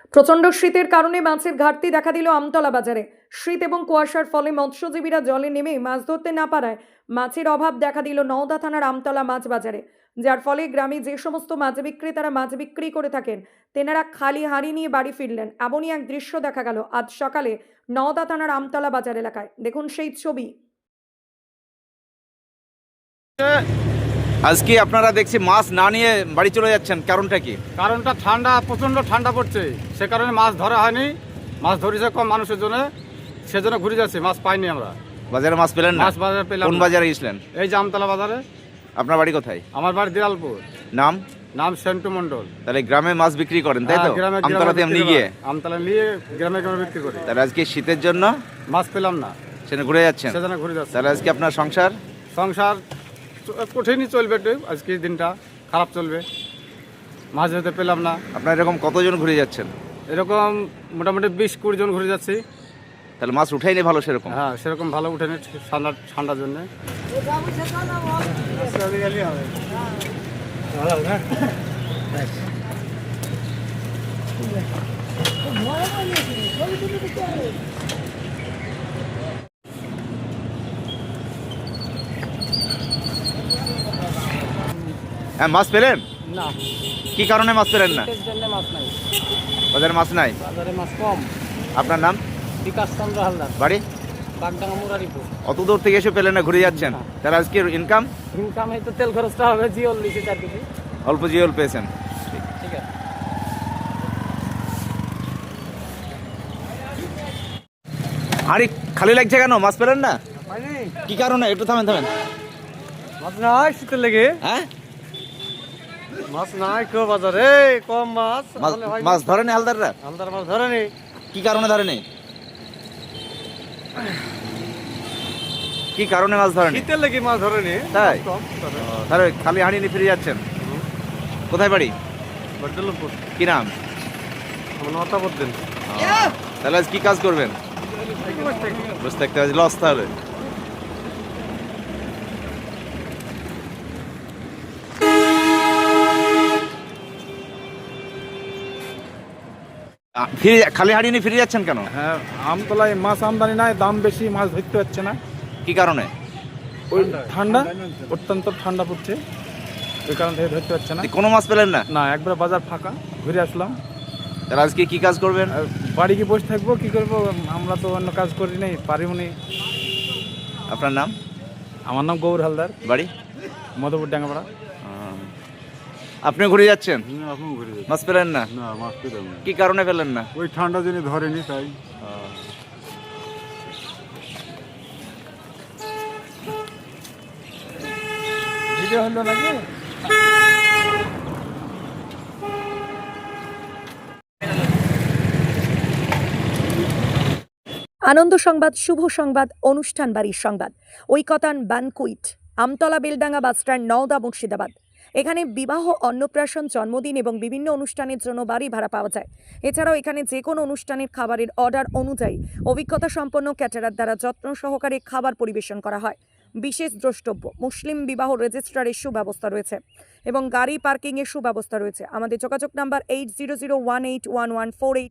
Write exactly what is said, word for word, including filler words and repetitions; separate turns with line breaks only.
প্রচণ্ড শীতের কারণে মাছের ঘাটতি দেখা দিল আমতলা বাজারে। শীত এবং কুয়াশার ফলে মৎস্যজীবীরা জলে নেমে মাছ ধরতে না পারায় মাছের অভাব দেখা দিল নওদা থানার আমতলা মাছ বাজারে, যার ফলে গ্রামে যে সমস্ত মাছ বিক্রেতারা মাছ বিক্রি করে থাকেন তেনারা খালি হাঁড়ি নিয়ে বাড়ি ফিরলেন। এমনই এক দৃশ্য দেখা গেল আজ সকালে নওদা থানার আমতলা বাজার এলাকায়। দেখুন সেই ছবি।
আজকে আপনারা দেখছি মাছ না নিয়ে বাড়ি চলে যাচ্ছেন, কারণটা কি?
কারণটা ঠান্ডা, প্রচণ্ড ঠান্ডা পড়ছে, সে কারণে মাছ ধরা হয়নি। মাছ ধরেছে কম মানুষের জন্য, সেজন্য ঘুরে যাচ্ছি, মাছ পাইনি আমরা।
বাজারে মাছ পেলেন না?
মাছ বাজারে পেলাম
কোন
না।
বাজারে গেছিলেন?
এই যে আমতলা বাজারে।
আপনার বাড়ি কোথায়?
আমার বাড়ি দিয়ালপুর।
নাম?
নাম সেন্টু মন্ডল।
তাহলে গ্রামে মাছ বিক্রি করেন, তাই তো?
হ্যাঁ, গ্রামে গ্রামে
আমতলাতে এমনি
বিক্রি
গিয়ে
করি। আমতলা নিয়ে গ্রামে গ্রামে বিক্রি করি।
তাহলে আজকে শীতের জন্য
মাছ পেলাম না,
সেখানে ঘুরে যাচ্ছেন,
সেজন্য ঘুরে যাচ্ছি।
তাহলে আজকে আপনার সংসার
সংসার কঠিনই চলবে একটু, আজকে দিনটা খারাপ চলবে, মাছ যেতে পেলাম না।
আপনার এরকম কতজন ঘুরে যাচ্ছেন?
এরকম মোটামুটি বিশ কুড়ি জন ঘুরে যাচ্ছি।
তাহলে মাছ উঠাইনি ভালো সেরকম?
হ্যাঁ, সেরকম ভালো উঠেনি ঠান্ডা ঠান্ডার জন্য।
হ্যাঁ, মাছ পেলেন
না,
কি কারণে মাছ পেলেন না?
মাছ নাই,
বাজারে মাছ নাই।
বাজারে মাছ কম।
আপনার নাম?
বিকাশ চন্দ্র হালদার,
বাড়ি?
বাগডাঙ্গা মুরারিপুর।
অত দূর থেকে এসে পেলেন না, ঘুরে যাচ্ছেন, তাহলে আজকে ইনকাম?
ইনকাম এই তো তেল খরচটা হবে, জিওল লিখে চার কেজি।
অল্প জিওল পেয়েছেন,
ঠিক আছে।
আরে খালি লাগছে কেন? মাছ পেলেন না কি কারণে? একটু থামেন থামেন।
মাছ নাই শীতের লেগে।
হ্যাঁ,
মাছ নাই কেউ বাজারে, কম মাছ।
মাছ- মাছ ধরেনি হালদাররা?
হালদার মাছ ধরেনি।
কি কারণে ধরেনি? কি কারণে মাছ ধরেনি?
শীতের লেগে মাছ ধরেনি।
তাই?
কম ধরে।
তাহলে খালি হাঁড়ি নিয়ে ফিরে যাচ্ছেন। কোথায় বাড়ি?
বর্ধমানপুর।
কি নাম?
আমার নটা বলতেন।
তাহলে আজ কি কাজ করবেন? বসে থাকতে আজ লস। তাহলে আ, ফিরে যা- খালি হাঁড়ি নিয়ে ফিরে যাচ্ছেন কেন?
হ্যাঁ, আমতলায় মাছ আমদানি নাই, দাম বেশি, মাছ ধরতে পারছে না।
কি কারণে?
ওই ঠান্ডা, অত্যন্ত ঠান্ডা পড়ছে, ওই কারণ থেকে ধরতে পারছে না।
কোনো মাছ পেলেন না?
না, একবার বাজার ফাঁকা, ঘুরে আসলাম।
তাহলে আজকে কি কাজ করবেন?
আর বাড়ি গিয়ে বসে থাকবো, কি করবো? আমরা তো অন্য কাজ করি নাই, পারিও নি।
আপনার নাম?
আমার নাম গৌর হালদার,
বাড়ি?
মধুপুর ডাঙ্গাপাড়া।
আপনি ঘুরে যাচ্ছেন,
এখন ঘুরে যাচ্ছে।
মাছ পেলেন না?
না, মাছ পেলাম না।
কি কারণে পেলেন না?
ওই ঠান্ডা জন্য ধরেনি, তাই।
ভিডিও হলো নাকি?
আনন্দ সংবাদ, শুভ সংবাদ, অনুষ্ঠান বাড়ির সংবাদ, ঐকতান বানকুইট, আমতলা বেলডাঙ্গা বাসস্ট্যান্ড, নওদা, মুর্শিদাবাদ। এখানে বিবাহ, অন্নপ্রাশন, জন্মদিন এবং বিভিন্ন অনুষ্ঠানের জন্য বাড়ি ভাড়া পাওয়া যায়। এছাড়াও এখানে যে কোনো অনুষ্ঠানের খাবারের অর্ডার অনুযায়ী অভিজ্ঞতা সম্পন্ন ক্যাটারার দ্বারা যত্ন সহকারে খাবার পরিবেশন করা হয়। বিশেষ দ্রষ্টব্য, মুসলিম বিবাহ রেজিস্ট্রারের সুব্যবস্থা রয়েছে এবং গাড়ি পার্কিংয়ের সুব্যবস্থা রয়েছে। আমাদের যোগাযোগ number eight zero zero one eight one one four eight